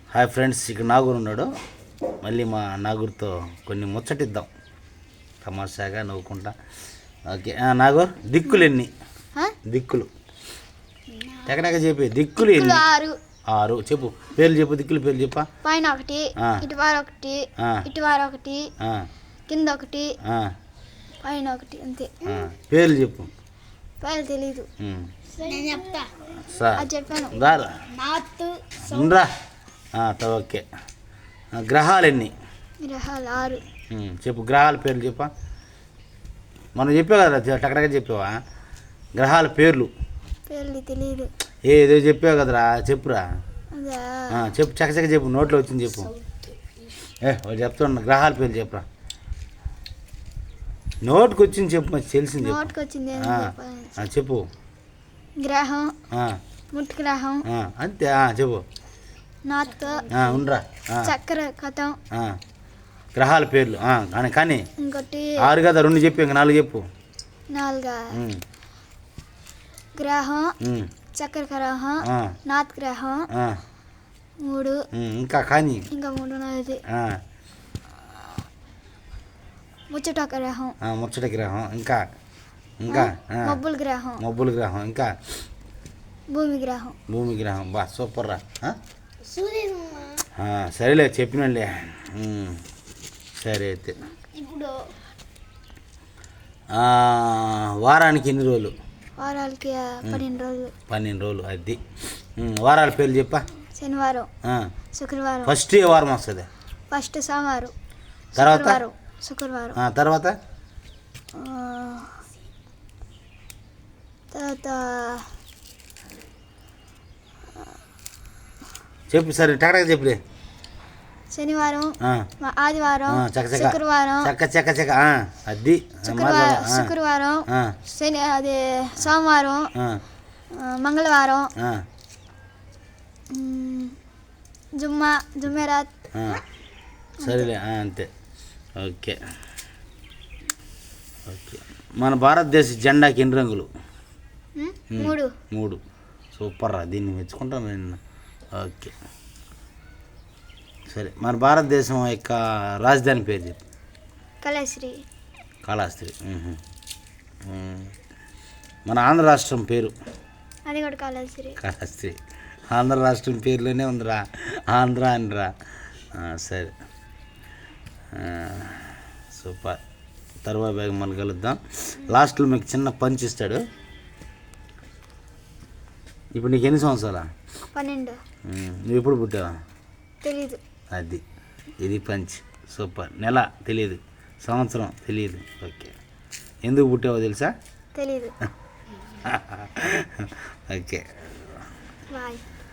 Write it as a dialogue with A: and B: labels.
A: Hi friends, ఇక్కడ నాగూరు ఉన్నాడు. మళ్ళీ మా నాగూరుతో కొన్ని ముచ్చటిద్దాం, తమాషాగా నవ్వుకుంటా. ఓకే నాగూర్, దిక్కులు ఎన్ని? దిక్కులు ఎక్కడెక్కడ చెప్పి దిక్కులు ఎన్ని? 6 చెప్పు. పేర్లు చెప్పు, దిక్కులు పేర్లు చెప్పా.
B: పైన ఒకటి, ఇటువారు ఒకటి, ఇటువారు ఒకటి, కింద ఒకటి, పైన ఒకటి, అంతే.
A: పేర్లు చెప్పు.
B: పేర్లు తెలీదు. చెప్పాను.
A: ఓకే. గ్రహాలు ఎన్ని?
B: గ్రహాలు 6.
A: చెప్పు, గ్రహాల పేర్లు చెప్పా. మనం చెప్పావు కదా, టక్కడగా చెప్పావా గ్రహాల పేర్లు?
B: పేర్లు తెలీదు.
A: ఏదో చెప్పావు కదరా, చెప్పురా. చెప్పు, చక్కచక్క చెప్పు, నోట్లో వచ్చింది చెప్పు. వాడు చెప్తున్నా, గ్రహాల పేర్లు చెప్పురా. నోటుకు వచ్చింది చెప్పు, మరి తెలిసింది చెప్పు.
B: గ్రహం, ముట్ గ్రహం,
A: అంతే. చెప్పు. ఉండరా.
B: చక్ర కథం.
A: గ్రహాల పేర్లు కానీ
B: ఇంకోటి
A: 6 కదా, 2 చెప్పు, ఇంకా 4 చెప్పు.
B: 4 గ్రహం, చక్ర గ్రహం, నాత్ గ్రహం, 3
A: ఇంకా కానీ
B: ఇంకా 3 ముచ్చట గ్రహం.
A: ముచ్చట గ్రహం. ఇంకా ఇంకా మబ్బుల గ్రహం. ఇంకా
B: భూమి గ్రహం.
A: భూమి గ్రహం. బా సూపర్ రా. సరేలే, చెప్పినండి. సరే అయితే,
B: ఇప్పుడు
A: వారానికి ఎన్ని రోజులు?
B: వారాలకి 12 రోజులు.
A: 12 రోజులు. అది వారాల పేర్లు చెప్పా.
B: శనివారం, శుక్రవారం.
A: ఫస్ట్ ఏ వారం వస్తుంది?
B: ఫస్ట్ సోమవారం,
A: తర్వాత
B: శుక్రవారం,
A: తర్వాత చెప్పు. సరే టక్కడగా చెప్పులే.
B: శనివారం, ఆదివారం, శుక్రవారం,
A: చక్క అది
B: శుక్రవారం, శని అది సోమవారం, మంగళవారం, జుమ్మెరాత్.
A: సరేలే, అంతే. ఓకే. మన భారతదేశ జెండాకి ఎన్ని రంగులు? 3. సూపర్ రా, దీన్ని మెచ్చుకుంటాను నేను. ఓకే, సరే. మన భారతదేశం యొక్క రాజధాని పేరు చెప్పు. కాళహస్తి. మన ఆంధ్ర రాష్ట్రం పేరు?
B: అది కూడా కాళహస్తి.
A: ఆంధ్ర రాష్ట్రం పేరులోనే ఉందిరా, ఆంధ్ర అనిరా. సరే, సూపర్. తర్వాత బ్యాగ్ మనం కలుద్దాం. లాస్ట్లో మీకు చిన్న పంచ్ ఇస్తాడు. ఇప్పుడు నీకు ఎన్ని సంవత్సరాలా?
B: 12.
A: నువ్వు ఎప్పుడు పుట్టావా?
B: తెలీదు.
A: అది ఇది పంచ్. సూపర్. నెల తెలియదు, సంవత్సరం తెలియదు. ఓకే. ఎందుకు పుట్టావో తెలుసా?
B: తెలీదు.
A: Okay,
B: bye.